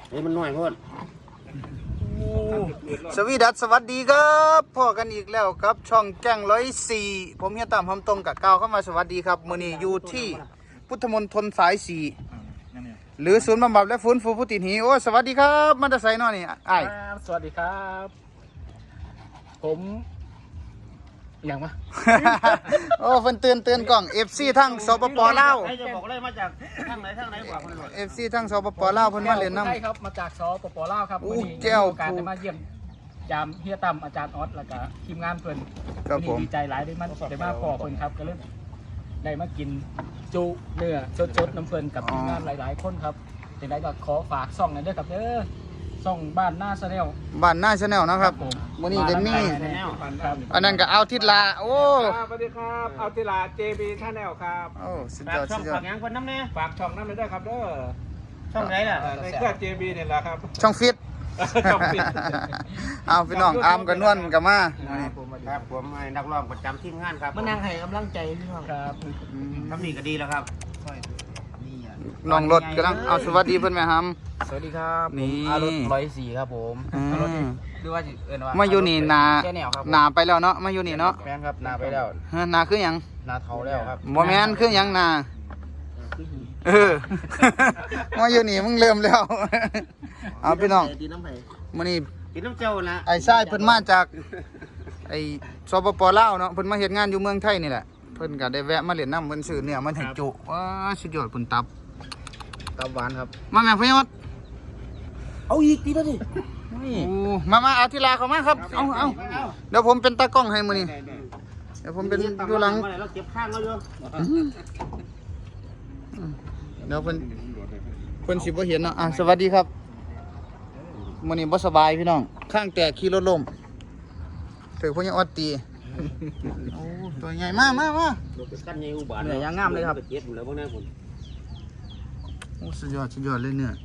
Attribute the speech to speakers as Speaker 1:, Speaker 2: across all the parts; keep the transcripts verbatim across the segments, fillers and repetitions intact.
Speaker 1: นี่มันน้อยโพด
Speaker 2: สวีดัสสวัสดีครับพ่อกันอีกแล้วครับช่องแจ้งร้อยสี่ผมเฮียต่ำคำตรงกับก้าวเข้ามาสวัสดีครับมื้อนี้อยู่ที่พุทธมณฑลสายสี่หรือศูนย์บำบัดและฟื้นฟูผู้ติดหีโอ้สวัสดีครับมันจะใส่นอนี่ไอ้
Speaker 3: สวัสดีครับผมอย่างวะ
Speaker 2: โอ้เพิ่นเตือนเตือนกล่อง เอฟ ซี ทั้งสปปลาว
Speaker 1: ใครจะบอกเลยมาจากทางไหนทางไหนกว่าคนรวย
Speaker 2: เอฟ ซี ทั้งสปปลาวเพิ่นมาเล่นน้ำ
Speaker 3: ใช่ครับมาจากสปปลาวครับ
Speaker 2: อู้
Speaker 3: วันนี้
Speaker 2: แก้ว
Speaker 3: มีโอกาสได้มาเยี่ยมยามเฮียตั้มอาจารย์ออสแล้วก็ทีมงานเพิ่น
Speaker 2: ครับผม
Speaker 3: วันนี้ดีใจหลายได้มาได้มาพอเพิ่นครับก็เลยได้มากินจุเนื้อสดๆน้ำเพิ่นกับทีมงานหลายๆคนครับจังไดก็ขอฝากซ่องหน่อยเด้อครับเด้อซ่องบ้านหน้าแนล
Speaker 2: บ้านหน้าชาแนลนะครับมื้อนี้ได้มีอันนั้นก็เอาทิศลาโอ้
Speaker 4: สวัสดีครับเอาติลา เจ บี Channel ครับ
Speaker 2: โอ้สุด
Speaker 1: ฝาย ก
Speaker 2: อด
Speaker 1: ช่อ
Speaker 2: สุ
Speaker 1: ง
Speaker 2: ดยอ
Speaker 1: ฝา
Speaker 2: ด
Speaker 1: กยังคนน้ำเนี่ย
Speaker 4: ฝากช่องนั้นเลยด้วยครับเด้อ
Speaker 1: ช่องไหนล่ะ
Speaker 4: ในเครือ เจ บี เนี่ยแหละครับ
Speaker 2: ช่องฟิต
Speaker 4: ช่องฟิต
Speaker 2: เอาพี่น้องอามกับนวลกับมา
Speaker 1: ครับผมนักร้องประจำทีมงานครับ
Speaker 3: มานั่งให้กำลังใจพี่น้องครับ
Speaker 1: ทำนี่ก็ดีแล้วครับ
Speaker 2: น้องรถกำลังเอาสวัสดีเพื่อนแม่ฮัม
Speaker 3: สวัสดีครับ
Speaker 2: นี่
Speaker 3: อารถร้อยสี่ครับผม
Speaker 2: อืม
Speaker 3: หรือว่าเอิ้นว่า
Speaker 2: มาอยู่นี่นา
Speaker 3: แค่แนวครับผม
Speaker 2: นาไปแล้วเนาะมาอยู่นี่เนาะ
Speaker 3: แม่นครับนาไปแล้ว
Speaker 2: เฮ้ยนาคือหยัง
Speaker 3: นาเทาแล้วครับ
Speaker 2: บ่แม่นคือหยังนาเออ มาอยู่นี่มึงเริ่มแล้ว เอาพี่น้อง
Speaker 1: ดีน้ำไผ่
Speaker 2: มื้อนี้
Speaker 1: กินน้ำเจ้าละ
Speaker 2: ไอ้ชายเพิ่นมาจากไอ้สปปลาวเนาะเพิ่นมาเฮ็ดงานอยู่เมืองไทยนี่แหละเพิ่นก็ได้แวะมาเล่นน้ำเพิ่นซื้อเนื้อมาให้จุว้าสุดยอดเพิ่นตับ
Speaker 3: ตับหวานครับ
Speaker 2: มาแม่พยศ
Speaker 1: เอาอีกทีแล้วดิ
Speaker 2: โอ้มามาเอาทีลาเข้ามาครับเอาเอาเดี๋ยวผมเป็นตากล้องให้มื้อนี้เดี๋ยวผมเป็นดูหลัง
Speaker 1: เราเก็บข้างเราอยู่
Speaker 2: เดี๋ยวเพิ่นเพิ่นสิบ่เห็นเนาะอ่ะสวัสดีครับมื้อนี้บ่สบายพี่น้องข้างแตกขี่รถล้มถือพวกยังอดตีโอ้ตัวใหญ่มากมากมา
Speaker 1: กันยังอุบาท
Speaker 3: เนื้อย่างงามเลยครับ
Speaker 1: เก็บหมดแล้วพวกนั้นผม
Speaker 2: โอ้สุดยอดสุดยอดเลยเนี่ย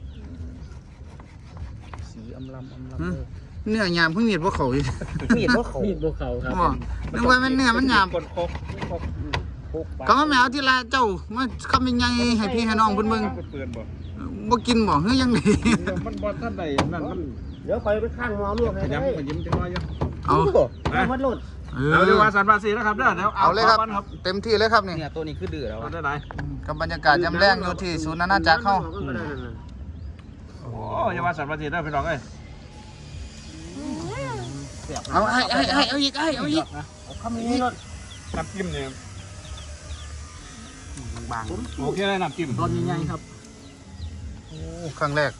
Speaker 3: สีอำลำอำล
Speaker 2: หึเนื้อยามเพิ่งมีดบ่เข้าอีก
Speaker 3: ำมีดบ่เขามีดบ่เขาครับ
Speaker 2: บ่นึกว่ามันเนื้อมันยาม
Speaker 4: คนครบครบ
Speaker 2: ก็มาแมวทีลาเจ้ามาคำยังไงให้พี่ให้น้องเพิ่นเบิ่ง
Speaker 4: เป็นปืนบ่
Speaker 2: บ่กินบ่เฮ้ยยังไง
Speaker 4: มันบอลท่านใดนั่นมัน
Speaker 1: เดี๋ยวไปไปข้างหมอลวกให้
Speaker 4: ข
Speaker 1: ได้
Speaker 4: ยำขยิ้มจังน้อยอยู่
Speaker 2: เอา
Speaker 1: เอาพัดลม
Speaker 2: เอ
Speaker 4: เอาเดี๋ยว
Speaker 2: อ
Speaker 4: ว่าสันภาษีนะครับเด้อเดี๋ยว
Speaker 2: เอาเลยครับ
Speaker 4: ก่อนครับ
Speaker 2: เต็มที่เลยครับนี่
Speaker 3: เนี่ยตัวนี้คือดื้อแล้ว
Speaker 4: เอาได้ไหน
Speaker 2: กับบรรยากาศยามแรงอยู่ที่ศูนย์นานาจักรเฮา
Speaker 4: โอ้อยาว่าสันภาษีได้พี่น้องเอ้ย
Speaker 2: เอาไอ้ไอ้ไอ้เอาอีกไอ้เอาอีก
Speaker 1: คำนี้รถ
Speaker 4: น้ำจิ้มเนี่ย
Speaker 3: บาง
Speaker 4: โอเคเลยน้ำจิ้ม
Speaker 3: ตอนใหญ่ๆครับ
Speaker 2: โอ้ครั้งแรก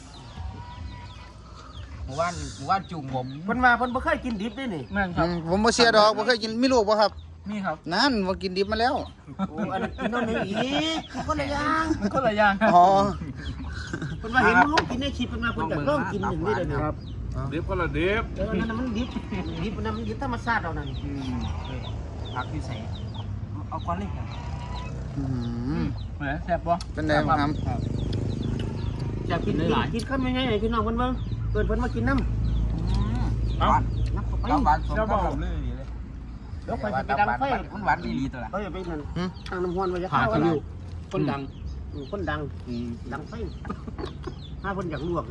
Speaker 3: หมู่บ้านหมู่บ้านจุ่มผม
Speaker 1: เพิ่นมาเพิ่นบ่เคยกินดิบด้วยนี่
Speaker 3: แม่นค
Speaker 2: อื
Speaker 3: รับ
Speaker 2: มผมบ่เสียดอกบ่เคยกินมีลูกบ่ครับ
Speaker 3: นี่ครับ
Speaker 2: นั่นบ่กินดิบมาแล้ว
Speaker 1: โอ้อันนั้นกินนั่นนี่อีกคนละอย่าง
Speaker 3: มันก็หลายอย่างครับ
Speaker 2: อ๋อ
Speaker 1: เพิ่นมาเห็นลูกกินในคลิปเพิ่นมาเพิ่นจะลองกินอย่างนี้เลยนะครับ
Speaker 4: ดิบก็ละดิบ
Speaker 1: เออนั่นมันดิบดิบนั่นมันดิบธรรมชาติเอานั่น
Speaker 3: ผักพิเศษเอาก้อนเล็กครับ
Speaker 2: อืม
Speaker 3: เหมือนแซ่บบ่
Speaker 2: เป็นไงบ้างครับ
Speaker 3: แซ่บ
Speaker 1: กิ
Speaker 3: กิ
Speaker 1: น
Speaker 3: นได้หลาย
Speaker 1: กินข้าวยังไงพี่น้องเพิ่นเบิ่งเพิ่นเพิ่นมากินน้ำ
Speaker 4: เอา
Speaker 1: นับเข้าไป
Speaker 3: น้ำหวานสม
Speaker 4: เจ้า
Speaker 3: กั
Speaker 4: บบ อ
Speaker 3: ผม
Speaker 4: ก
Speaker 3: เลย
Speaker 1: เดี๋ยวไปสิไปดังไฟ
Speaker 3: มันหวานดีๆตัวละ
Speaker 1: เขาอย่าไปนั่นทางน้ำห้อนว่าจะ
Speaker 3: ผ่า
Speaker 1: เข้า
Speaker 3: คิ
Speaker 1: อะไร
Speaker 3: วคนดัง
Speaker 1: คนดังดังไฟถ้าเพิ่นอยากลวกกัน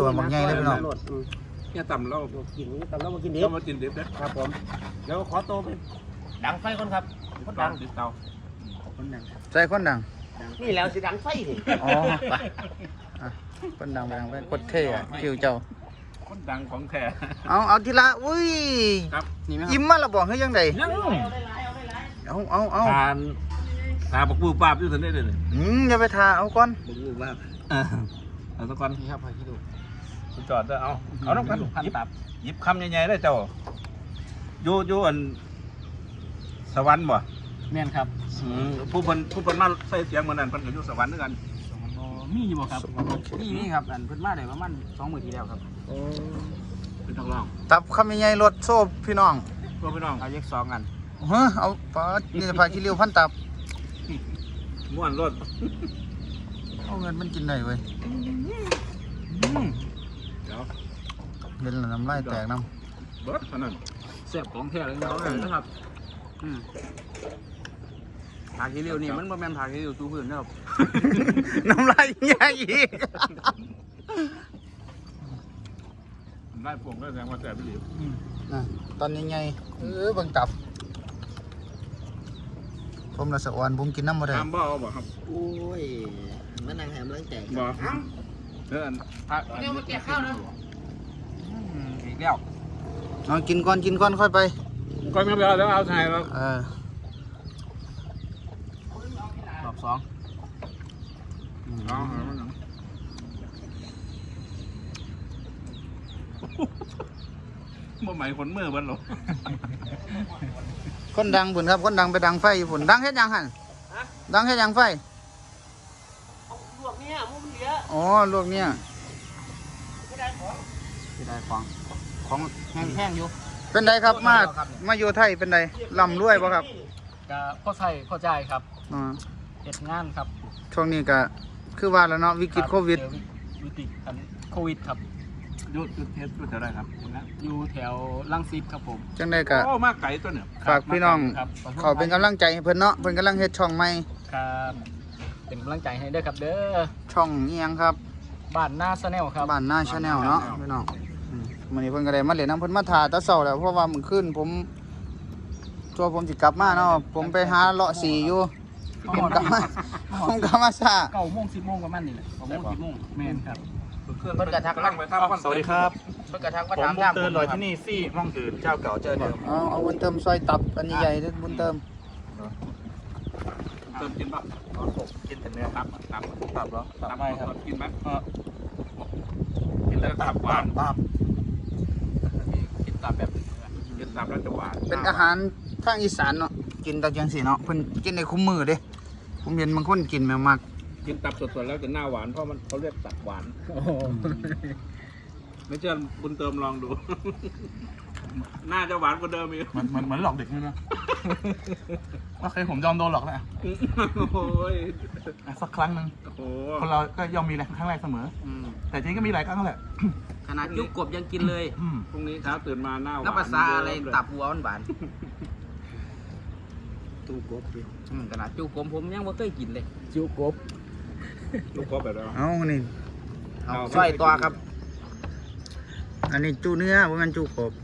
Speaker 4: เนี่ยต่ำเรา
Speaker 1: กินตำแล้วมากินดิบ
Speaker 4: เรามากินดิบเด้อ
Speaker 1: ครับผมเดี๋ยวขอโตไปดังไฟก่อนครับคน
Speaker 4: ดั
Speaker 1: ดั
Speaker 4: ง
Speaker 1: ง
Speaker 4: ดิบเตา
Speaker 1: คนดัง
Speaker 2: ใจคนดัง
Speaker 1: นี่แล้วสิดังไฟสิ
Speaker 2: อ๋อไปอ่ะคนดังไปดังไปกดเท่อะคิวเจ้า
Speaker 4: คนดังของแท้
Speaker 2: เอาเอาทีละอุ้ย
Speaker 4: ครับ
Speaker 3: นี่ไหมครับ
Speaker 2: อิ่มมาและบ่เฮ้ยยังไง
Speaker 4: ยัง
Speaker 2: เอาเอาเอา
Speaker 4: ทานทานปักปูปราบอยู่ทันได้เลย
Speaker 2: อืมอย่าไปทาเอาก่อน
Speaker 4: ปักปูปราบเออเอาสักก่อน
Speaker 3: นี่ครับผักคิว
Speaker 4: จอดเด้อเอาเอาน้ำกัน
Speaker 3: พัน
Speaker 4: หยิบ
Speaker 3: ตับ
Speaker 4: หยิบคำใหญ่ๆได้เจ้าอยู่อยู่อันสวรรค์บ่
Speaker 3: แม่นครับ
Speaker 4: อืมผู้เพิ่นผู้เพิ่นมาใส่เสียงเหมือนนั้นเพิ่นก็อยู่สวรรค์ด้วยกัน
Speaker 3: มีอยู่บ่ครับนี่นี่ครับอันเพิ่นมาได้ประมาณสองมื้อที่แล้วครับ
Speaker 4: เป็นทองรอง
Speaker 2: ตับคำใหญ่ๆรถโซ่พี่น้อง
Speaker 4: ตัวพี่น้อง
Speaker 3: เอาแยกสองกัน
Speaker 2: เฮ้อเอาปาดนี่จะพาขี้เลี้ยวพันตับ
Speaker 4: ม่วนรถ
Speaker 2: เอาเงินมันกินได้เว้ย
Speaker 4: เดี๋ยว
Speaker 2: เห็นแล้วน้ำลายแตกน้
Speaker 4: เบิดเท่านั้น
Speaker 3: แซ่บของแท้เลยนะครับอืมผักคิวนี่มันบ่แม่นผักคิวตู้พื้นนะครับ
Speaker 2: ำ น้ำลายใหญ่อีก
Speaker 4: ได้พวงก็แสดงว่าแสบไปหรือ
Speaker 2: นะตอนยังไงเออเบิ่งตับผมละสะออนผมกินน้ำบ่ได้
Speaker 4: น้ำบ่เอาบ่ครับ
Speaker 1: โอ้ยมานั่งแหมเรื่องแจก
Speaker 4: บ่เออพัก
Speaker 1: เนี่ยมาแจกข้าวนะ
Speaker 4: อีกแล้ว
Speaker 2: เอากินก่อนกินก่อนค่อยไป
Speaker 4: ก่อนไม่เอาแล้วเอาไทยแล้ว
Speaker 2: เออ
Speaker 3: รอบสอง
Speaker 4: เอาบ่หมายคนเมื่อวันหรอ
Speaker 2: คนดังบุญครับคนดังไปดังไฟอยู่บุญดังเฮ็ดหยังหั่นดังเฮ็ดหยังไฟ
Speaker 1: ลวกเนี่ยมุ้งเหลือ
Speaker 2: อ๋อลวกเนี่ย
Speaker 1: ไม่ได้ของ
Speaker 3: ที่ได้ของของแห้งๆอยู่
Speaker 2: เป็นไดครับมามาอยู่ไทยเป็นไดร่ำรวยบ่ครับ
Speaker 3: ก็พ่อใส่พ่อจ่ายครับ
Speaker 2: อ๋อ
Speaker 3: เฮ็ดงานครับ
Speaker 2: ช่วงนี้ก็คือว่าแล้วเนาะวิกฤตโควิด
Speaker 3: เจอวิกฤตอันโควิดครับ
Speaker 4: หยุดหยุดเทสหยุดเท่าไรครับ
Speaker 3: อยู่แถวลังสิตครับผม
Speaker 2: จังไดก็
Speaker 4: โอ้มากไก่ตัวเนี่ย
Speaker 2: ฝากพี่น้อง
Speaker 3: ครับ
Speaker 2: ขอเป็นกำลังใจให้เพิ่นเนาะเพิ่นกำลังเฮ็ดช่องใหม่
Speaker 3: ครับเป็นกำลังใจให้เด้อครับเด้อ
Speaker 2: ช่องอีหยังครับ
Speaker 3: บ้านหน้าชาแนลครับ
Speaker 2: บ้านหน้าชาแนลเนาะพี่น้องอืมมื้อนี้เพิ่นก็ได้มาเล่นน้ำเพิ่นมาถ่าแตะเช้าแล้วเพราะว่ามื้อคืนผมตัวผมสิกลับมาเนาะผมไปหาเลาะสีอยู่ผมกลับมาผมกลับมาซา
Speaker 3: เก้าโมงสิบโมงประมาณนี้แหละเก้าโมงสิบโมงแม่นครับ
Speaker 4: เพิ่นกระทักลั่งไปทำ
Speaker 5: สวัสดีครับ
Speaker 3: เพิ่นกระทักว่า
Speaker 5: ผม
Speaker 3: ถาม
Speaker 5: บุญ
Speaker 3: ทาง
Speaker 5: เตือนลอยที่นี่ซี่ห้องอื่นเจ้าเก่าเจ้าเดิม
Speaker 2: เอาเอาบุญเติมซอยตับอันใหญ่ๆเด้อบุญเติม
Speaker 4: เติมกินป่ะ
Speaker 5: ผมกินแต่เนื้อ
Speaker 4: ตับตับ
Speaker 5: ตับเหรอตับไม่ครับ
Speaker 4: กินไหม
Speaker 5: เออ
Speaker 4: กินแล้วตับหวาน
Speaker 5: ตับ
Speaker 3: กินตามแบบ
Speaker 4: กินตับแล้วจะหวาน
Speaker 2: เป็นอาหารทางอีสานเนาะกินตะจังซี่เนาะเพิ่นกินในคุ้มมือเด้ผมเห็นบางคนกินแม่มาก
Speaker 4: กินตับสดๆแล้วจะหน้าหวานเพราะมันเขาเรียกตับหวาน
Speaker 3: โอ้โห
Speaker 4: ไม่เชื่อบุญเติมลองดู น่าจะหวานกว่าเดิมอีก
Speaker 5: เหมือนเหมือนเหมือนหลอกเด็กใช่ไหมโอเคผมยอมโดนหลอกแล้ว
Speaker 4: โอ้ย
Speaker 5: อ่ะสักครั้งหนึ่ง
Speaker 4: โอ้โห
Speaker 5: คนเราก็ย่อมมีแหละครั้งแรกเสมอ
Speaker 4: อืม
Speaker 5: แต่จริงก็มีหลายครั้งแหละ
Speaker 1: ขนาดยุกกบยังกินเลย
Speaker 5: อืม
Speaker 4: พรุ่งนี้เช้าตื่นมาหน้าหวาน
Speaker 1: น้ำภาษาอะไรตับหัวหวาน
Speaker 2: ตูกบดิ
Speaker 1: อืมขนาดจุกผมผมยังไม่เคยกินเลย
Speaker 3: จิ้วกบ
Speaker 4: ลูกกบแบบแล้ว
Speaker 2: เอานี่
Speaker 1: เอาซอยตัวครับ
Speaker 2: อันนี้จูเนื้อบ่แม่นจูกบ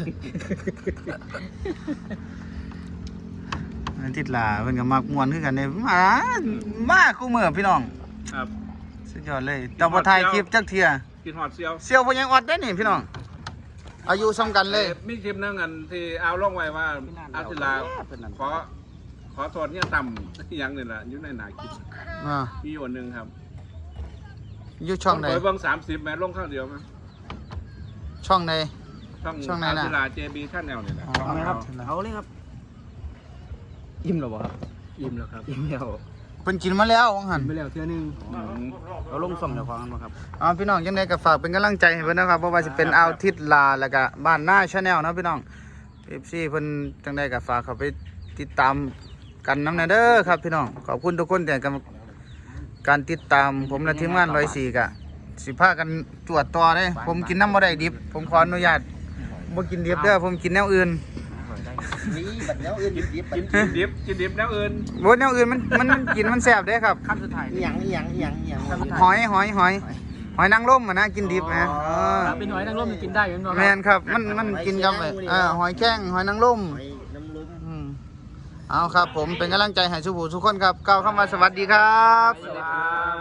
Speaker 2: อันติดหลาเพิ่นก็มักม่วนคือกันเด้มามาคู่มือพี่น้อง
Speaker 4: ครับ
Speaker 2: สุดยอดเลยแต่บ่ถ่ายคลิปจักเที่ย
Speaker 4: กินหอดเซียว
Speaker 2: เสี่ยวบ่ยังออดได้นี่พี่น้องอายุซ้ำกันเลย
Speaker 4: มีคลิปนึงอันที่เอาลงไว้ว่าอาทิลาขอขอโทษเนี่ยต่ำที่ยังนี่แหละอยู่ในหนาคลิป
Speaker 2: อ่า
Speaker 4: มีอยู่อันหนึ่งครับ
Speaker 2: อยู่ช่องไหน
Speaker 4: เปิดเบิ้งสามสิบแม้ลงข้างเดียวมั้ย
Speaker 2: ช่องไหน
Speaker 4: ช่อง
Speaker 2: ช่องไหนน่ะ
Speaker 4: อาทิลาเจบีท่านแนวนี่แหละ
Speaker 2: เอาไหมครับ
Speaker 1: เอาเลยครับ
Speaker 3: อิ่มแล้วบ่ครับอิ่มแล้วครับอิ่มแล้ว
Speaker 2: เพิ่นกินมาแล้วว่าหั่น
Speaker 3: ไปแล้วเทื่อนึง
Speaker 4: อืม
Speaker 1: เอาลงส่งเดี๋ยวฟังกันมาครับ
Speaker 2: เอาพี่น้องยังไงก็ฝากเป็นกำลังใจให้เพิ่นนะครับบ่ว่าสิเป็นอาวทิตลาแล้วก็บ้านหน้าชาแนลนะพี่น้อง เอฟ ซี เพิ่นจังได๋ก็ฝากเข้าไปติดตามกันนำแน่เด้อครับพี่น้องขอบคุณทุกคนที่ให้กำการติดตามผมและทีมงานร้อยสี่ก็สิพากันตรวจต่อเด้ผมกินน้ำบ่ได้ดิบ ผมขออนุญาตบ่กินดิบเด้อผมกินแนวอื่น
Speaker 1: นี่บัดแล้วอื่นดิบ
Speaker 4: กินกินดิบกินดิบแล้วอื่น
Speaker 2: บ่แนวอื่นมันมันมันกินมันแซ่บเด้ครับ
Speaker 1: ๆขั้นสุดท้ายอีหยังอีหยังอีหยังอีหยัง
Speaker 2: หอยหอยหอยหอยนางรมอ่ะนะกินดิบนะเออ
Speaker 3: ถ้าเป็นหอยนางรมมันกินได้อยู่เนาะ
Speaker 2: แม่นครับมันมันกินกับเอ่อหอยแข้งหอยนางรม
Speaker 1: หอยน้ำลุ้ม
Speaker 2: อืมเอาครับผมเป็นกำลังใจให้ทุกผู้ทุกคนครับกล่าวคำว่าสวัสดีครับ
Speaker 1: สวัสดีครับ